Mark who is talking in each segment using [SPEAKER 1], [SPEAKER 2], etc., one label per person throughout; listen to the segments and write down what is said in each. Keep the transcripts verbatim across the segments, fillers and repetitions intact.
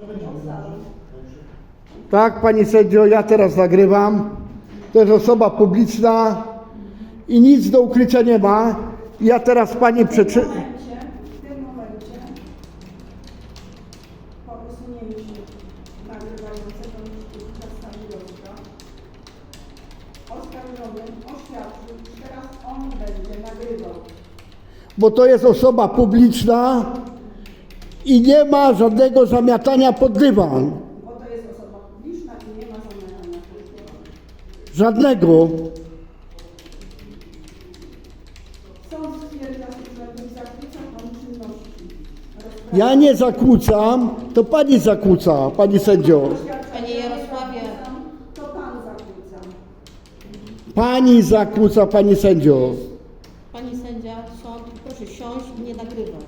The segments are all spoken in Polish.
[SPEAKER 1] Tak, pani sędzio, ja teraz nagrywam. To jest osoba publiczna i nic do ukrycia nie ma. Ja teraz pani przeczytam.
[SPEAKER 2] W tym momencie, po usunięciu nagrywającego niszczyciela Stanisława, oskarżony oświadczył, że teraz on będzie nagrywał.
[SPEAKER 1] Bo to jest osoba publiczna i nie ma żadnego zamiatania pod dywan.
[SPEAKER 2] Bo to jest osoba publiczna i nie ma zamiana pod dywan.
[SPEAKER 1] Żadnego.
[SPEAKER 2] Sąd stwierdza, że nie zakłóca pan czynności.
[SPEAKER 1] Ja nie zakłócam, to pani zakłóca, pani sędzio.
[SPEAKER 3] Panie Jarosławie.
[SPEAKER 2] To pan zakłóca.
[SPEAKER 1] Pani zakłóca, pani sędzio.
[SPEAKER 3] Pani sędzia, sąd, proszę siąść i nie nagrywać.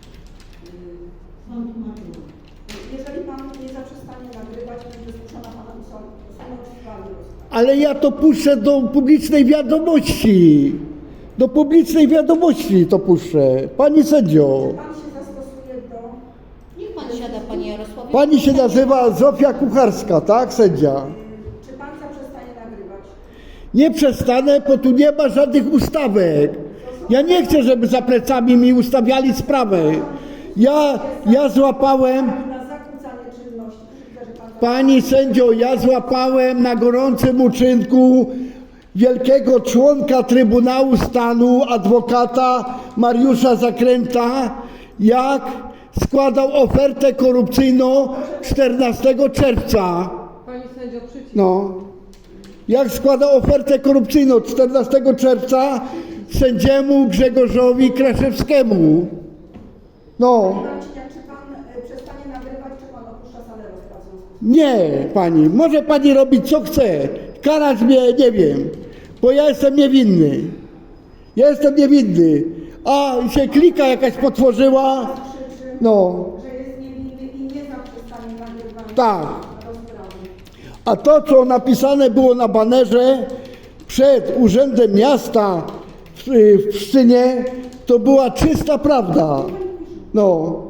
[SPEAKER 3] Sąd nagrywa.
[SPEAKER 2] Jeżeli pan nie zaprzestanie nagrywać, będzie zmuszona pana usunąć pan rozkaz.
[SPEAKER 1] Ale ja to puszczę do publicznej wiadomości. Do publicznej wiadomości to puszczę. Pani sędzio.
[SPEAKER 2] Pan się zastosuje do...
[SPEAKER 3] Niech pan siada, panie Jarosławie.
[SPEAKER 1] Pani się nazywa Zofia Kucharska, tak, sędzia?
[SPEAKER 2] Czy pan zaprzestanie nagrywać?
[SPEAKER 1] Nie przestanę, bo tu nie ma żadnych ustawek. Ja nie chcę, żeby za plecami mi ustawiali sprawę. Ja, ja złapałem,
[SPEAKER 2] Na zakłócanie czynności. Krzywdę, że pan...
[SPEAKER 1] pani sędzio, ja złapałem na gorącym uczynku wielkiego członka Trybunału Stanu, adwokata Mariusza Zakręta, jak składał ofertę korupcyjną czternastego czerwca.
[SPEAKER 4] Pani sędzio, przycisk.
[SPEAKER 1] No. Jak składał ofertę korupcyjną czternastego czerwca sędziemu Grzegorzowi Kraszewskiemu. No.
[SPEAKER 2] Marcinia, czy pan y, przestanie nagrywać, czy pan opuszcza salę rozpraw?
[SPEAKER 1] Nie, pani. Może pani robić co chce. Karać mnie, nie wiem. Bo ja jestem niewinny. Ja jestem niewinny. A się klika jakaś potworzyła.
[SPEAKER 2] Krzyczy,
[SPEAKER 1] No.
[SPEAKER 2] że jest niewinny i nie zaprzestanie nagrywania
[SPEAKER 1] Tak.
[SPEAKER 2] rozprawy.
[SPEAKER 1] A to, co napisane było na banerze przed Urzędem Miasta w, w Pszczynie, to była czysta prawda. No.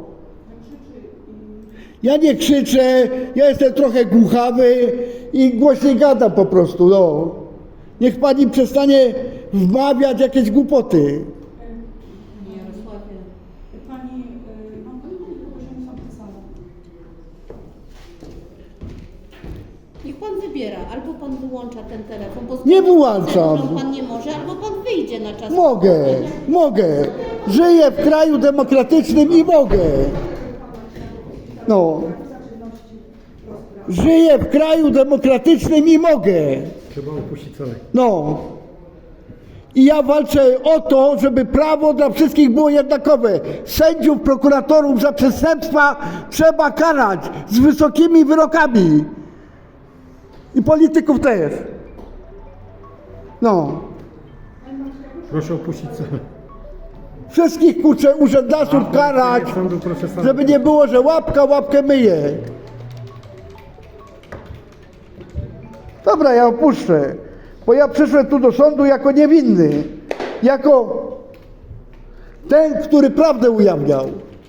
[SPEAKER 1] Ja nie krzyczę, ja jestem trochę głuchawy i głośniej gadam po prostu, no. Niech pani przestanie wmawiać jakieś głupoty.
[SPEAKER 3] Panie Jarosławie.
[SPEAKER 2] Pani, y, mam pani kogoś, że nie są pisane.
[SPEAKER 3] Niech pan wybiera, albo pan wyłącza ten telefon, bo z
[SPEAKER 1] Nie
[SPEAKER 3] tą
[SPEAKER 1] wyłączam.
[SPEAKER 3] procedurą pan nie może, albo pan wyjdzie na czas.
[SPEAKER 1] Mogę, mogę. Żyję w kraju demokratycznym i mogę. No. Żyję w kraju demokratycznym i mogę.
[SPEAKER 5] Trzeba opuścić salę.
[SPEAKER 1] No. I ja walczę o to, żeby prawo dla wszystkich było jednakowe. Sędziów, prokuratorów za przestępstwa trzeba karać z wysokimi wyrokami. I polityków też. No.
[SPEAKER 5] Proszę opuścić salę.
[SPEAKER 1] Wszystkich kurczę urzędasów karać,
[SPEAKER 5] Sądu, proszę salę.
[SPEAKER 1] żeby nie było, że łapka łapkę myje. Dobra, ja opuszczę, bo ja przyszłem tu do sądu jako niewinny, jako ten, który prawdę ujawniał.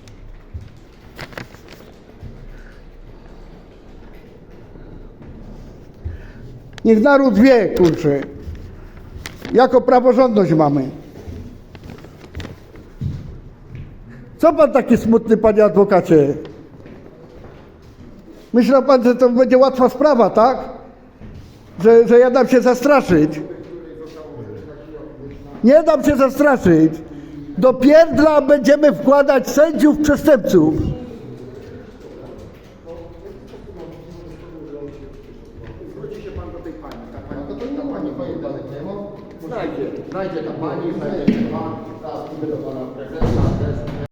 [SPEAKER 1] Niech naród wie, kurczę, jaką praworządność mamy. Co pan taki smutny, panie adwokacie? Myślał pan, że to będzie łatwa sprawa, tak? Że, że ja dam się zastraszyć. Nie dam się zastraszyć. Do pierdla będziemy wkładać sędziów przestępców.
[SPEAKER 6] Zwróci się pan do tej pani. Ta pani, to ta pani moim danych nie ma. Znajdzie, znajdzie ta pani, znajdzie ten pan. Teraz idę do pana prezesa.